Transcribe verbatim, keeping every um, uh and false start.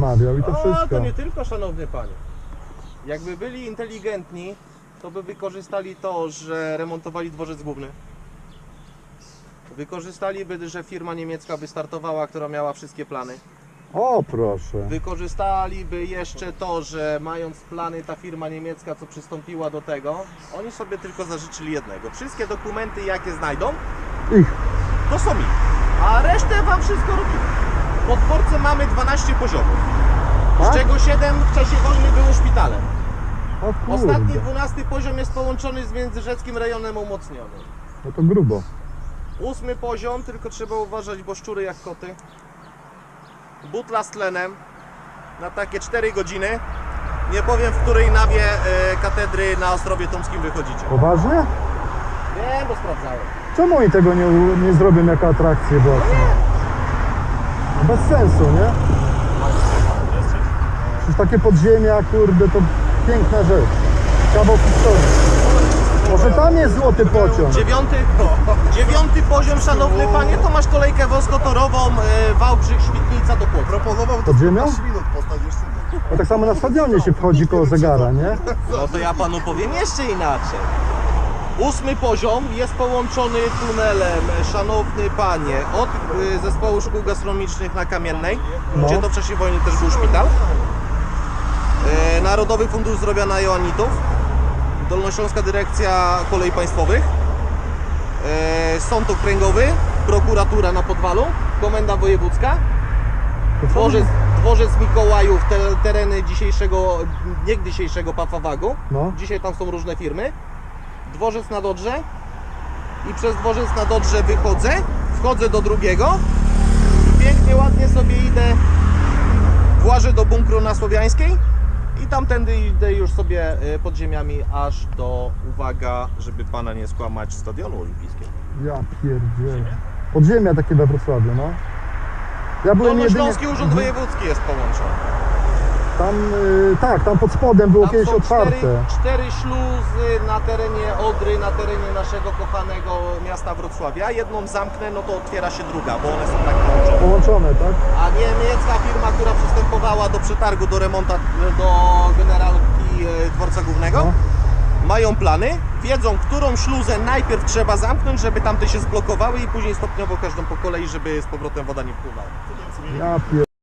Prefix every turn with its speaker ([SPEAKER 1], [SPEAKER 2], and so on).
[SPEAKER 1] zamawiał i to
[SPEAKER 2] O,
[SPEAKER 1] wszystko.
[SPEAKER 2] to nie tylko, szanowny panie. Jakby byli inteligentni, to by wykorzystali to, że remontowali dworzec główny. Wykorzystaliby, że firma niemiecka wystartowała, która miała wszystkie plany.
[SPEAKER 1] O, proszę.
[SPEAKER 2] Wykorzystaliby jeszcze to, że mając plany ta firma niemiecka, co przystąpiła do tego, oni sobie tylko zażyczyli jednego. Wszystkie dokumenty, jakie znajdą,
[SPEAKER 1] Ich.
[SPEAKER 2] to są ich. A resztę wam wszystko robimy. Po dworce mamy dwanaście poziomów,
[SPEAKER 1] Tak?
[SPEAKER 2] z czego siedem w czasie wojny było szpitalem.
[SPEAKER 1] O
[SPEAKER 2] Ostatni
[SPEAKER 1] kurde.
[SPEAKER 2] dwunasty poziom jest połączony z międzyrzeckim rejonem umocnionym.
[SPEAKER 1] No to grubo.
[SPEAKER 2] Ósmy poziom, tylko trzeba uważać, bo szczury jak koty. Butla z tlenem na takie cztery godziny. Nie powiem, w której nawie e, katedry na Ostrowie Tomskim wychodzicie.
[SPEAKER 1] Poważnie?
[SPEAKER 2] Wiem, bo sprawdzałem.
[SPEAKER 1] Czemu oni tego nie, u- nie zrobią jako atrakcję boczną? No bez sensu, nie? Przecież takie podziemia, kurde, to piękna rzecz. Kawał historii. Może tam jest złoty pociąg.
[SPEAKER 2] Dziewiąty, dziewiąty poziom, szanowny panie, to masz kolejkę wąskotorową e, Wałbrzych, Świdnica do Płocka.
[SPEAKER 3] Proponował to
[SPEAKER 1] Podziemia?
[SPEAKER 3] piętnaście minut postać jeszcze.
[SPEAKER 1] No tak samo na stadionie się wchodzi koło zegara, nie?
[SPEAKER 2] No to ja panu powiem jeszcze inaczej. Ósmy poziom jest połączony tunelem, szanowny panie, od y, zespołu szkół gastronomicznych na Kamiennej,
[SPEAKER 1] No.
[SPEAKER 2] gdzie to w czasie wojny też był szpital. Y, Narodowy Fundusz Zdrowia na Joannitów, Dolnośląska Dyrekcja Kolei Państwowych, y, Sąd Okręgowy, prokuratura na Podwalu, Komenda Wojewódzka,
[SPEAKER 1] To co?
[SPEAKER 2] dworzec, dworzec Mikołajów, te, tereny dzisiejszego, niegdysiejszego Pafawagu.
[SPEAKER 1] No.
[SPEAKER 2] Dzisiaj tam są różne firmy. Dworzec na Dodrze i przez dworzec na Dodrze wychodzę, wchodzę do drugiego i pięknie, ładnie sobie idę, włażę do bunkru na Słowiańskiej i tamtędy idę już sobie y, podziemiami aż do, uwaga, żeby pana nie skłamać, stadionu olimpijskiego.
[SPEAKER 1] Ja pierdzielę. Podziemia takie we Wrocławiu, no. Ja byłem jedynie...
[SPEAKER 2] Dolnośląski Urząd Wojewódzki jest połączony.
[SPEAKER 1] Tam, y, tak, tam pod spodem było
[SPEAKER 2] Tam
[SPEAKER 1] kiedyś
[SPEAKER 2] są
[SPEAKER 1] otwarte.
[SPEAKER 2] cztery, cztery śluzy na terenie Odry, na terenie naszego kochanego miasta Wrocławia. Jedną zamknę, no to otwiera się druga, bo one są tak połączone.
[SPEAKER 1] Połączone, tak?
[SPEAKER 2] A niemiecka firma, która przystępowała do przetargu, do remonta, do generalki e, dworca głównego,
[SPEAKER 1] No.
[SPEAKER 2] mają plany, wiedzą, którą śluzę najpierw trzeba zamknąć, żeby tamte się zblokowały i później stopniowo każdą po kolei, żeby z powrotem woda nie wpływała.
[SPEAKER 1] Ja pier...